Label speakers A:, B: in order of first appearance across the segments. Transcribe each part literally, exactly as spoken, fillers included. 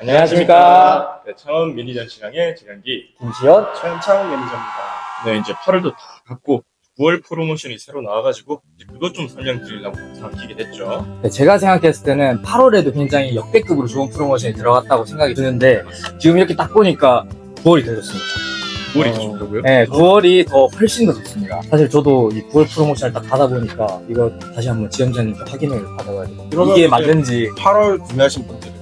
A: 안녕하십니까.
B: 네, 창원 미니전 시장의 재량기
A: 김시현.
C: 최현창 매니저입니다.
B: 네, 이제 팔월도 다 갔고 구월 프로모션이 새로 나와가지고 이제 그것 좀 설명드리려고 영상 키게 됐죠.
A: 네, 제가 생각했을 때는 팔월에도 굉장히 역대급으로 좋은 프로모션이 들어갔다고 생각이 드는데 지금 이렇게 딱 보니까 구월이 더 좋습니다.
B: 구월이
A: 어,
B: 더 좋다고요?
A: 네, 구월이 더 훨씬 더 좋습니다. 사실 저도 이 구월 프로모션을 딱 받아보니까 이거 다시 한번 지점장님께 확인을 받아가지고
C: 그러면
A: 이게
C: 이제
A: 맞는지.
C: 팔월 구매하신 분들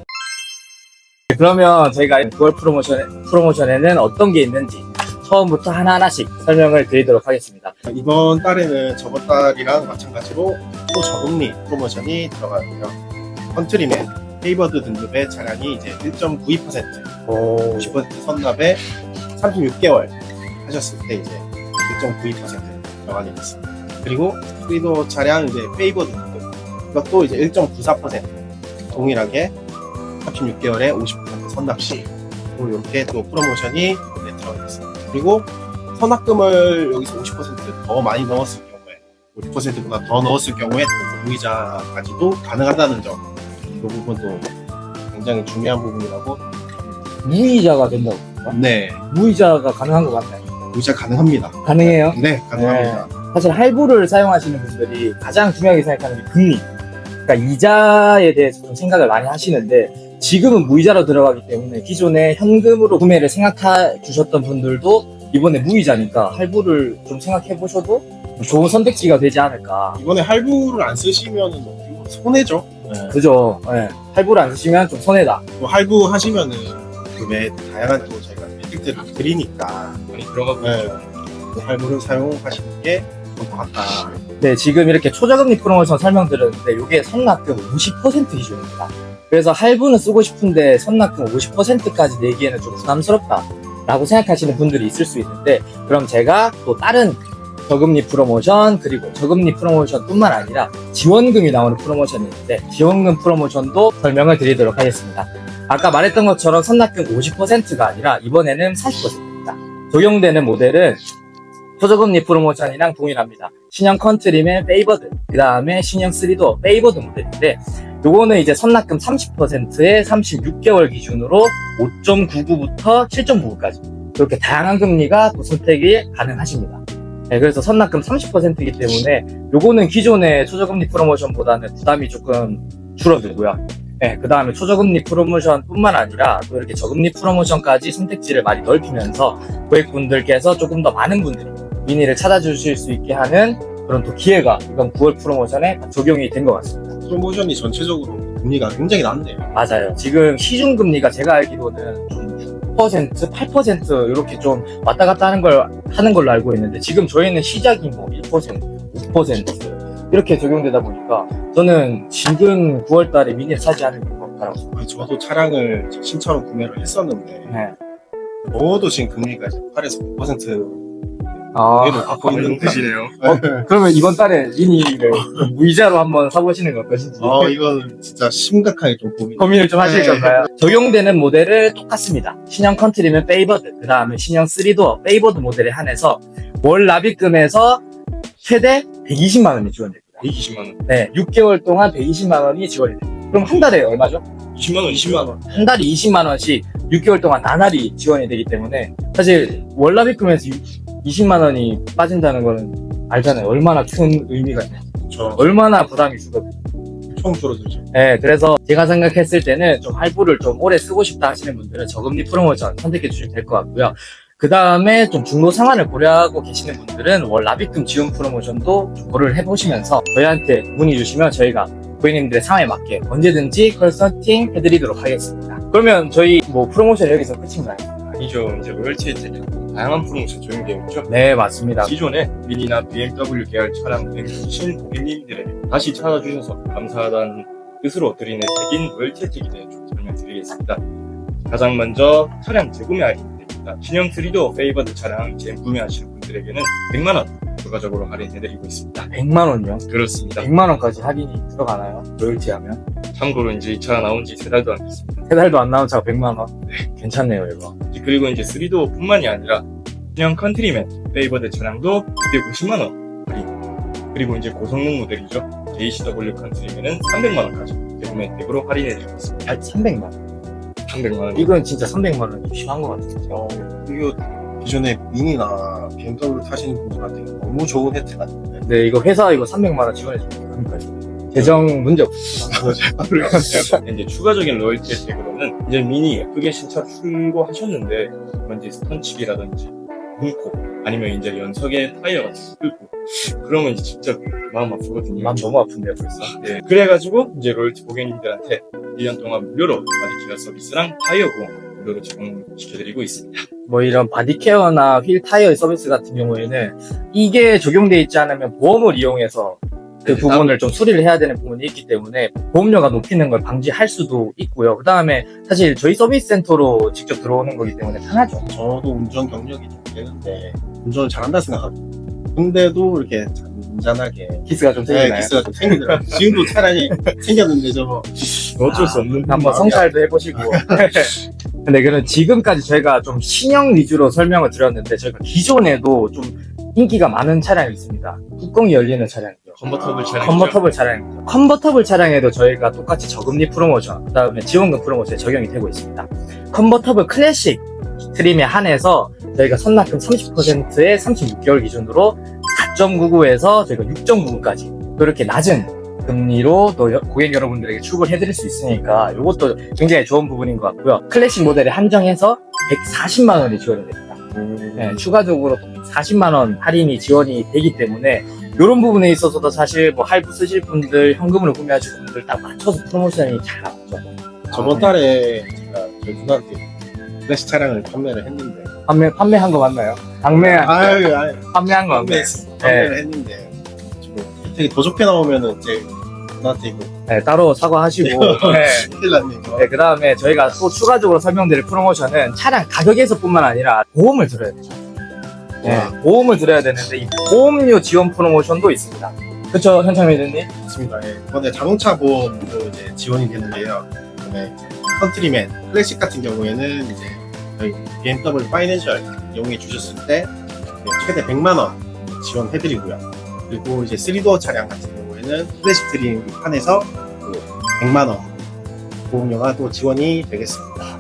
A: 그러면 저희가 구월 프로모션, 프로모션에는 어떤 게 있는지 처음부터 하나하나씩 설명을 드리도록 하겠습니다.
C: 이번 달에는 저번 달이랑 마찬가지로 또 저금리 프로모션이 들어가고요. 컨트리맨, 페이버드 등급의 차량이 이제 일 점 구이 퍼센트,
A: 오,
C: 오십 퍼센트 선납에 삼십육 개월 하셨을 때 이제 일 점 구이 퍼센트 들어가게 됐습니다. 그리고 스피도 차량 이제 페이버드 등급 이것도 이제 일 점 구사 퍼센트 동일하게 삼십육 개월에 오십 퍼센트 선납 시 이렇게 또 프로모션이 이번에 들어가 있습니다. 그리고 선납금을 여기서 오십 퍼센트 더 많이 넣었을 경우에 오십 퍼센트보다 더 넣었을 경우에 또 무이자까지도 가능하다는 점, 이 부분도 굉장히 중요한 부분이라고.
A: 무이자가 된다고.
C: 네,
A: 무이자가 가능한 것 같나요?
C: 무이자 가능합니다.
A: 가능해요?
C: 네, 가능합니다.
A: 사실 할부를 사용하시는 분들이 가장 중요하게 생각하는 게 금리, 그러니까 이자에 대해서 좀 생각을 많이 하시는데 지금은 무이자로 들어가기 때문에 기존에 현금으로 구매를 생각해 주셨던 분들도 이번에 무이자니까 할부를 좀 생각해 보셔도 좋은 선택지가 되지 않을까.
C: 이번에 할부를 안 쓰시면은 손해죠. 네.
A: 그죠? 네. 할부를 안 쓰시면 좀 손해다.
C: 또 할부 하시면은 그외 다양한 또 저희가 메리트를 드리니까
B: 많이 들어가고
C: 네.
B: 있죠.
C: 또 할부를 사용하시는 게 좋을 것 같다.
A: 네, 지금 이렇게 초저금리 프로모션 설명드렸는데 이게 선납금 오십 퍼센트 기준입니다. 그래서 할부는 쓰고 싶은데 선납금 오십 퍼센트까지 내기에는 좀 부담스럽다 라고 생각하시는 분들이 있을 수 있는데, 그럼 제가 또 다른 저금리 프로모션 그리고 저금리 프로모션 뿐만 아니라 지원금이 나오는 프로모션이 있는데 지원금 프로모션도 설명을 드리도록 하겠습니다. 아까 말했던 것처럼 선납금 오십 퍼센트가 아니라 이번에는 사십 퍼센트입니다. 적용되는 모델은 초저금리 프로모션이랑 동일합니다. 신형 컨트리맨 페이버드, 그 다음에 신형 쓰리도어 페이버드 모델인데 요거는 이제 선납금 삼십 퍼센트에 삼십육 개월 기준으로 오 점 구구부터 칠 점 구구까지 이렇게 다양한 금리가 또 선택이 가능하십니다. 네, 그래서 선납금 삼십 퍼센트이기 때문에 요거는 기존의 초저금리 프로모션보다는 부담이 조금 줄어들고요. 네, 그 다음에 초저금리 프로모션 뿐만 아니라 또 이렇게 저금리 프로모션까지 선택지를 많이 넓히면서 고객분들께서 조금 더 많은 분들이 미니를 찾아주실 수 있게 하는 그런 또 기회가 이번 구월 프로모션에 적용이 된 것 같습니다.
C: 프로모션이 전체적으로 금리가 굉장히 낮네요.
A: 맞아요. 지금 시중금리가 제가 알기로는 좀 육 퍼센트, 팔 퍼센트 이렇게 좀 왔다 갔다 하는 걸 하는 걸로 알고 있는데 지금 저희는 시작이 뭐 일 퍼센트, 오 퍼센트 이렇게 적용되다 보니까 저는 지금 구월 달에 미니를 사지 않을 것 같다고.
C: 아니, 저도 차량을 신차로 구매를 했었는데
A: 네.
C: 저도 지금 금리가 이제 팔에서 구 퍼센트
A: 아,
C: 그래도 갖고 있는
B: 뜻이네요.
A: 어, 그러면 이번 달에 미니를 좀 무이자로 한번 사보시는 것 어떠신지.
C: 어, 이건 진짜 심각하게 좀 고민.
A: 고민을 좀 하실
C: 네.
A: 건가요? 적용되는 모델은 똑같습니다. 신형 컨트리면 페이버드, 그 다음에 신형 쓰리도어 페이버드 모델에 한해서 월 납입금에서 최대 백이십만 원이 지원됩니다.
B: 백이십만 원.
A: 네, 육 개월 동안 백이십만 원이 지원이 됩니다. 그럼 한 달에 얼마죠?
B: 이십만 원, 이십만 원.
A: 한 달에 이십만 원씩 육 개월 동안 나날이 지원이 되기 때문에 사실 월 납입금에서 이십만 원이 빠진다는 거는 알잖아요. 얼마나 큰 의미가 있는지.
C: 그렇죠.
A: 얼마나 부담이 주거든요.
C: 총 줄어들죠.
A: 네, 그래서 제가 생각했을 때는 좀 할부를 좀 오래 쓰고 싶다 하시는 분들은 저금리 프로모션 선택해 주시면 될 것 같고요. 그 다음에 좀 중도 상환을 고려하고 계시는 분들은 월 납입금 지원 프로모션도 좀 고려를 해보시면서 저희한테 문의 주시면 저희가 고객님들의 상황에 맞게 언제든지 컨설팅 해드리도록 하겠습니다. 그러면 저희 뭐 프로모션 여기서 끝인가요?
B: 아니죠. 이제 로열티 혜택이 다양한 프로모션 적용되어 있죠.
A: 네, 맞습니다.
B: 기존에 미니나 비엠더블유 계열 차량 뱅크신 고객님들에게 다시 찾아주셔서 감사하다는 뜻으로 드리는 혜택인 로열티 혜택에 대해 좀 설명드리겠습니다. 가장 먼저 차량 재구매 할인입니다. 신형 쓰리도어 페이버드 차량 재구매하시는 분들에게는 백만 원 추가적으로 할인해드리고 있습니다.
A: 백만 원요?
B: 그렇습니다.
A: 백만 원까지 할인이 들어가나요? 로열티 하면?
B: 참고로 이제 이 차가 나온 지 세 달도 안 됐습니다.
A: 세 달도 안 나온 차가 백만 원? 네, 괜찮네요, 이거.
B: 그리고 이제 쓰리도어 뿐만이 아니라 신형 컨트리맨 페이버드 차량도 이백오십만 원 할인. 그리고 이제 고성능 모델이죠. 제이씨더블유 컨트리맨은 삼백만 원까지 재구매 혜택으로 할인해드리고 있습니다.
A: 아, 삼백만 원.
B: 삼백만 원.
A: 이건 진짜 삼백만 원이 심한 것 같아요.
C: 어, 이거 기존에 미니나 비엠더블유 타시는 분들한테 너무 좋은 혜택 아닌데.
A: 네, 이거 회사 이거 삼백만 원 지원해 줍니다. 그러니까요. 재정 문제 없습니다.
B: 이제 추가적인 로열티 혜택으로는 이제 미니 예쁘게 신차 출고하셨는데 먼저 스턴치기라든지 문콕 아니면 이제 연석에 타이어가 뚫고 그러면 이제 진짜 마음 아프거든요.
A: 마음 너무 아픈데요, 벌써.
B: 네, 그래가지고 이제 로열티 고객님들한테 일 년 동안 무료로 바디케어 서비스랑 타이어 보험 무료로 제공시켜드리고 있습니다.
A: 뭐 이런 바디케어나 휠 타이어 서비스 같은 경우에는 이게 적용돼 있지 않으면 보험을 이용해서 그
B: 네,
A: 부분을 좀 수리를 해야 되는 부분이 있기 때문에 보험료가 높이는 걸 방지할 수도 있고요. 그 다음에 사실 저희 서비스 센터로 직접 들어오는 거기 때문에 편하죠.
C: 저도 운전 경력이 좀 되는데 운전을 잘한다 생각하고 근데도 이렇게 잔잔하게
A: 키스가 좀
C: 네,
A: 생기나요?
C: 기스가 좀 생기더라고요. 지금도 차라리 생겼는데 저거
B: 어쩔 수 없는
A: 한번
C: 마음이야.
A: 성찰도 해보시고. 근데 그는 지금까지 저희가 좀 신형 위주로 설명을 드렸는데 저희가 기존에도 좀 인기가 많은 차량이 있습니다. 뚜껑이 열리는 차량이죠.
B: 컨버터블 차량.
A: 컨버터블 차량입니다. 컨버터블 차량에도 저희가 똑같이 저금리 프로모션, 그 다음에 지원금 프로모션에 적용이 되고 있습니다. 컨버터블 클래식 트림에 한해서 저희가 선납금 삼십 퍼센트에 삼십육 개월 기준으로 사 점 구구에서 저희가 육 점 구구까지 그렇게 낮은 금리로 또 여- 고객 여러분들에게 출고를 해드릴 수 있으니까 이것도 굉장히 좋은 부분인 것 같고요. 클래식 모델에 한정해서 백사십만 원이 지원이 됩니다. 네, 추가적으로 사십만 원 할인이 지원이 되기 때문에 이런 부분에 있어서도 사실 뭐 할부 쓰실 분들, 현금으로 구매하실 분들 딱 맞춰서 프로모션이 잘 나왔죠.
C: 저번 달에 제가 저희 누나한테 클래식 차량을 판매를 했는데
A: 판매, 판매한 거 맞나요? 방매,
C: 아유 아유
A: 판매한 거 맞나요?
C: 판매했어 판매를 했는데 지금 혜택이 더 좋게 나오면은 제 누나한테 이거
A: 네, 따로 사과하시고. 네.
C: 큰일 났네 이거.
A: 네, 그 다음에 저희가 또 추가적으로 설명드릴 프로모션은 차량 가격에서뿐만 아니라 보험을 들어야 되죠. 네,
C: 와.
A: 보험을 들어야 되는데 이 보험료 지원 프로모션도 있습니다. 그렇죠, 현창 매니저님?
C: 맞습니다. 예. 이번에 자동차 보험도 이제 지원이 되는데요. 그다음에 컨트리맨 클래식 같은 경우에는 이제 저희 비엠더블유 파이낸셜 이용해 주셨을 때 최대 백만 원 지원해드리고요. 그리고 이제 쓰리도어 차량 같은 경우에는 클래식 트림 한해서 또 백만 원 보험료가 또 지원이 되겠습니다.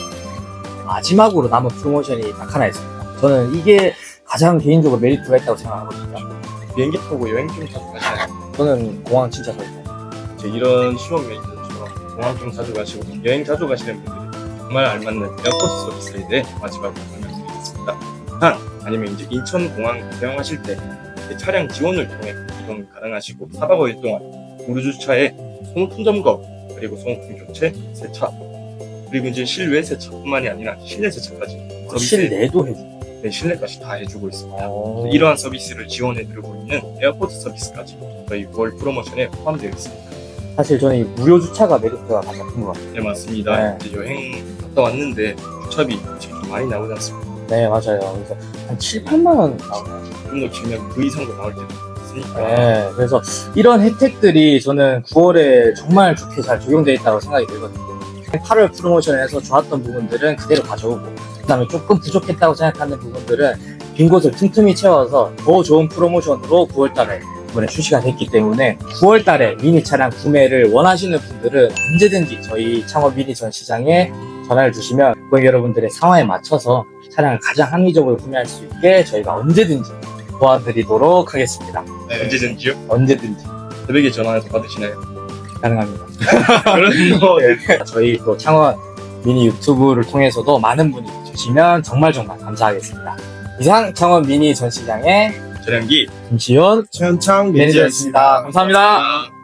A: 마지막으로 남은 프로모션이 딱 하나 있습니다. 저는 이게 가장 개인적으로 메리트가 있다고 생각하거든요.
B: 비행기 타고 여행 좀 자주 가시나요?
A: 저는 공항 진짜 좋아해요.
B: 이제 이런 시원 메이저처럼 공항 좀 자주 가시고 여행 자주 가시는 분들이 정말 알맞는 에어포트 서비스에 대해 마지막으로 설명드리겠습니다. 한 아니면 이제 인천공항 대형하실 때 차량 지원을 통해 이동 가능하시고 사 박 오 일 동안 무료 주차에 소모품 점검 그리고 소모품 교체, 세차 그리고 이제 실외 세차뿐만이 아니라 실내 세차까지 서비스
A: 실내도 해주고.
B: 네, 실내까지 다 해주고 있습니다.
A: 어...
B: 이러한 서비스를 지원해드리고 있는 에어포트 서비스까지 저희 구월 프로모션에 포함되어 있습니다.
A: 사실 저는 이 무료 주차가 메리트가 가장 큰 것 같아요.
B: 네, 맞습니다.
A: 네.
B: 이제 여행 갔다 왔는데 주차비 지금 좀 많이 나오지 않습니까?
A: 네, 맞아요. 그래서 한 칠, 팔만 원 나오나요?
B: 좀 더 길면 그 이상도 나올 때도 있으니까.
A: 네, 그래서 이런 혜택들이 저는 구월에 정말 좋게 잘 적용되어 있다고 생각이 들거든요. 팔월 프로모션에서 좋았던 부분들은 그대로 가져오고, 그 다음에 조금 부족했다고 생각하는 부분들은 빈 곳을 틈틈이 채워서 더 좋은 프로모션으로 구월 달에 이번에 출시가 됐기 때문에 구월 달에 미니 차량 구매를 원하시는 분들은 언제든지 저희 창업 미니 전시장에 전화를 주시면 고객 여러분들의 상황에 맞춰서 차량을 가장 합리적으로 구매할 수 있게 저희가 언제든지 도와드리도록 하겠습니다.
C: 네.
B: 언제든지요?
A: 언제든지
B: 새벽에 전화해서 받으시나요?
A: 가능합니다.
B: 그런 거
A: 저희 또 창원 미니 유튜브를 통해서도 많은 분이 주시면 정말 정말 감사하겠습니다. 이상 창원 미니 전시장의
B: 전량기
A: 김시현
C: 최현창
A: 매니저였습니다. 감사합니다.
B: 아.